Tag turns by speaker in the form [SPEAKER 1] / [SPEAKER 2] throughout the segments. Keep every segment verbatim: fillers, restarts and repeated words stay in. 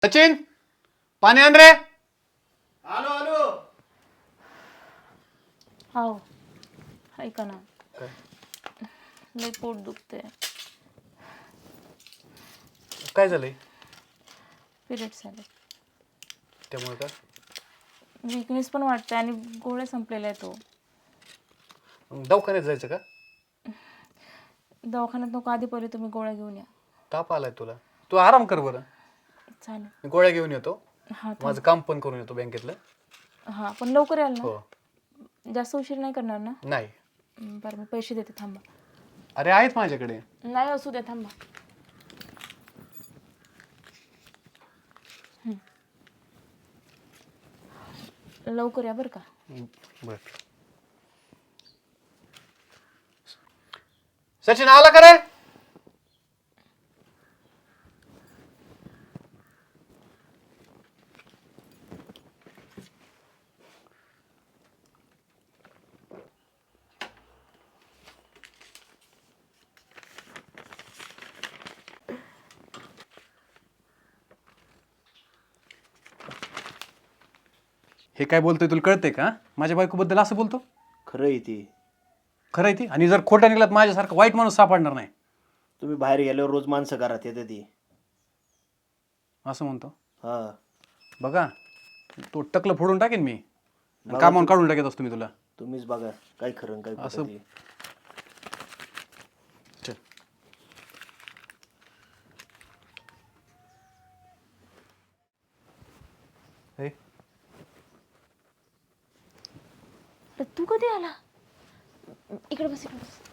[SPEAKER 1] सचिन पाणी आण रे.
[SPEAKER 2] आलो आलो.
[SPEAKER 3] हो ऐका ना, लय पोट दुखते.
[SPEAKER 1] काय झालंय?
[SPEAKER 3] पिरियड्स आले.
[SPEAKER 1] त्यामुळे का?
[SPEAKER 3] विकनेस पण वाटते आणि गोळ्या संपलेल्या आहेत. तो
[SPEAKER 1] मग दवाखान्यात जायचं का?
[SPEAKER 3] दवाखान्यात नको, आधी पहिले तुम्ही गोळ्या घेऊन या.
[SPEAKER 1] ताप आलाय तुला, तू आराम कर बरं.
[SPEAKER 3] चालेल.
[SPEAKER 1] मी गोळ्या घेऊन येतो.
[SPEAKER 3] हा
[SPEAKER 1] माझं काम पण करून येतो बँकेतलं.
[SPEAKER 3] हा पण लवकर याल ना.
[SPEAKER 1] हो.
[SPEAKER 3] जास्त उशीर नाही करणार ना?
[SPEAKER 1] नाही.
[SPEAKER 3] बरं मी पैसे देते, थांबा.
[SPEAKER 1] अरे आहेत माझ्याकडे.
[SPEAKER 3] नाही असू द्या, थांबा. लवकर या बरं का.
[SPEAKER 1] बर. सचिन आला का रे? हे काय बोलतोय तुला कळतंय का? माझ्या बायकोबद्दल असं बोलतो?
[SPEAKER 2] खरं आहे ती.
[SPEAKER 1] खरं आहे ती. आणि जर खोटा निघाला तर माझ्यासारखा वाईट माणूस सापडणार नाही.
[SPEAKER 2] तुम्ही बाहेर गेल्यावर रोज माणसं घरात येते ती.
[SPEAKER 1] असं म्हणतो.
[SPEAKER 2] हा
[SPEAKER 1] बघा, तो टकलं फोडून टाकेन मी.
[SPEAKER 2] बघा
[SPEAKER 1] कामावून
[SPEAKER 2] तू-
[SPEAKER 1] काढून टाकेत असतो मी तुला.
[SPEAKER 2] तुम्हीच बघा काय खरं आणि काय खोटं
[SPEAKER 1] असं-
[SPEAKER 2] ते.
[SPEAKER 1] चल. हे,
[SPEAKER 3] अरे तू कधी आला? इकडे बस, इकडे बस.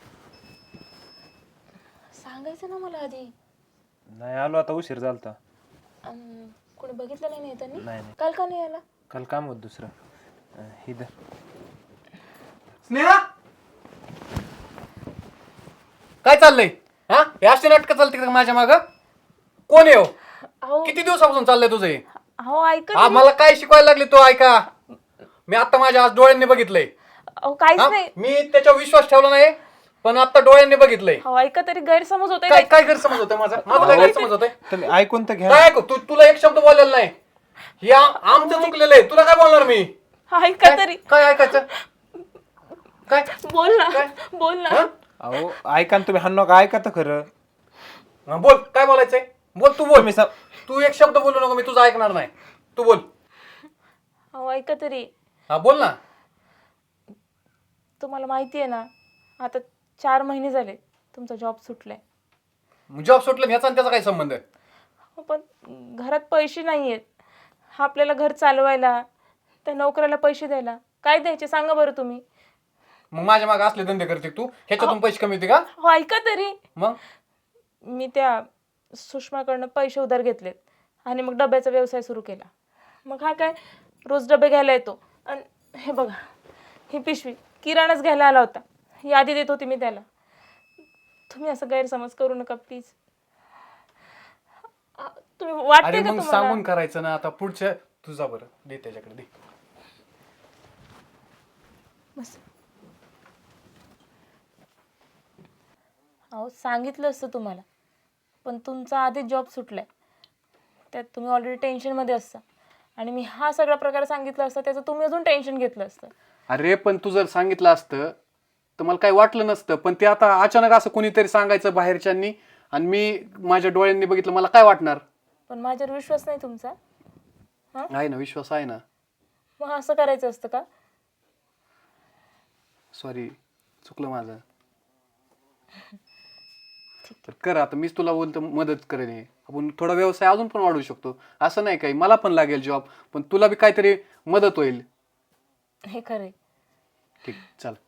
[SPEAKER 3] सांगायचं ना मला आधी.
[SPEAKER 4] नाही आलो, आता उशीर झालता.
[SPEAKER 3] अन कोणी बघितलं नाही ना येताना?
[SPEAKER 4] नाही नाही,
[SPEAKER 3] काल का नाही आला?
[SPEAKER 4] काल काम होत दुसरं. अं, ही धर.
[SPEAKER 1] स्नेहा काय चाललंय? हा हे असे नाटकं चालते का माझ्या माग? कोण आहे हो?
[SPEAKER 3] अहो
[SPEAKER 1] किती दिवसापासून चाललंय तुझं हे?
[SPEAKER 3] अहो ऐका
[SPEAKER 1] हा
[SPEAKER 3] तरी.
[SPEAKER 1] मला काय शिकवायला लागले तो? ऐका, मी आता माझ्या आज डोळ्यांनी बघितलंय.
[SPEAKER 3] अहो काहीच
[SPEAKER 1] हा?
[SPEAKER 3] नाही.
[SPEAKER 1] मी त्याच्यावर विश्वास ठेवला नाही, पण आता डोळ्यांनी बघितलंय.
[SPEAKER 3] अहो ऐका तरी, गैरसमज होतोय
[SPEAKER 1] काय
[SPEAKER 3] काय?
[SPEAKER 1] काय गैरसमज होतोय माझा? माझा काय गैरसमज होतोय?
[SPEAKER 4] तुम्ही ऐकून तर घ्या.
[SPEAKER 1] काय ऐकू? तू तुला एक शब्द बोललेला नाही. हे आम- आमचं चुकलेलं आहे. तुला काय बोलणार मी?
[SPEAKER 3] ऐका तरी.
[SPEAKER 1] काय ऐकायचं? काय
[SPEAKER 3] बोल ना,
[SPEAKER 1] काय?
[SPEAKER 3] बोल ना.
[SPEAKER 1] हा?
[SPEAKER 4] अहो ऐका ना तुम्ही, हा नका ऐका तर खरं.
[SPEAKER 1] हा, बोल, काय बोलायचंय? बोल, तू बोल.
[SPEAKER 4] तुम्ही सा-
[SPEAKER 1] तू एक शब्द बोलू नको, मी तुझं ऐकणार नाही. तू बोल.
[SPEAKER 3] अहो ऐका तरी.
[SPEAKER 1] हा बोल ना.
[SPEAKER 3] तुम्हाला माहिती आहे ना, आता चार महिने झाले तुमचा जॉब सुटलाय.
[SPEAKER 1] जॉब सुटलं ह्याचा आणि त्याचा काय संबंध आहे?
[SPEAKER 3] हो, पण घरात पैसे नाही आहेत. आपल्याला घर चालवायला, त्या नोकऱ्याला पैसे द्यायला काय द्यायचे सांगा बरं तुम्ही.
[SPEAKER 1] मग माझ्या मागे असले धंदे करते तू? ह्याच्यातून पैसे कमी होते का?
[SPEAKER 3] हो ऐका तरी.
[SPEAKER 1] मग
[SPEAKER 3] मी त्या सुषमाकडनं पैसे उधार घेतलेत आणि मग डब्याचा व्यवसाय सुरू केला. मग हा काय रोज डबे घ्यायला येतो. आणि हे बघा, ही पिशवी किराणाच घ्यायला आला होता. यादी देत होती मी त्याला. तुम्ही असं गैरसमज करू नका प्लीज. तुम्ही वाटते
[SPEAKER 1] अरे
[SPEAKER 3] का
[SPEAKER 1] मग
[SPEAKER 3] तुम्हाला?
[SPEAKER 1] सांगून करायचं ना. आता पुढच्या तुझा बरं दे त्याच्याकडे दे.
[SPEAKER 3] बस. अहो सांगितलं असतं तुम्हाला, पण तुमचा आधीच जॉब सुटलाय. त्यात तुम्ही ऑलरेडी टेन्शनमध्ये असता आणि मी हा सगळा प्रकार सांगितला असता, त्याचं तुम्ही अजून टेन्शन घेतलं असतं.
[SPEAKER 1] अरे पण तू जर सांगितलं असतं तर मला काही वाटलं नसतं. पण ते आता अचानक असं कोणीतरी सांगायचं बाहेरच्यांनी आणि मी माझ्या डोळ्यांनी बघितलं, मला काय वाटणार?
[SPEAKER 3] पण माझ्यावर विश्वास नाही तुमचा?
[SPEAKER 1] आहे ना, विश्वास आहे ना.
[SPEAKER 3] मग असं करायचं असतं का?
[SPEAKER 1] सॉरी, चुकलं माझं. तर कर, आता मीच तुला बोलतो मदत करेन. हे आपण थोडा व्यवसाय अजून पण वाढवू शकतो. असं नाही काही, मला पण लागेल जॉब, पण तुला बी काहीतरी मदत होईल.
[SPEAKER 3] हे खरंय.
[SPEAKER 1] ठीक, चल.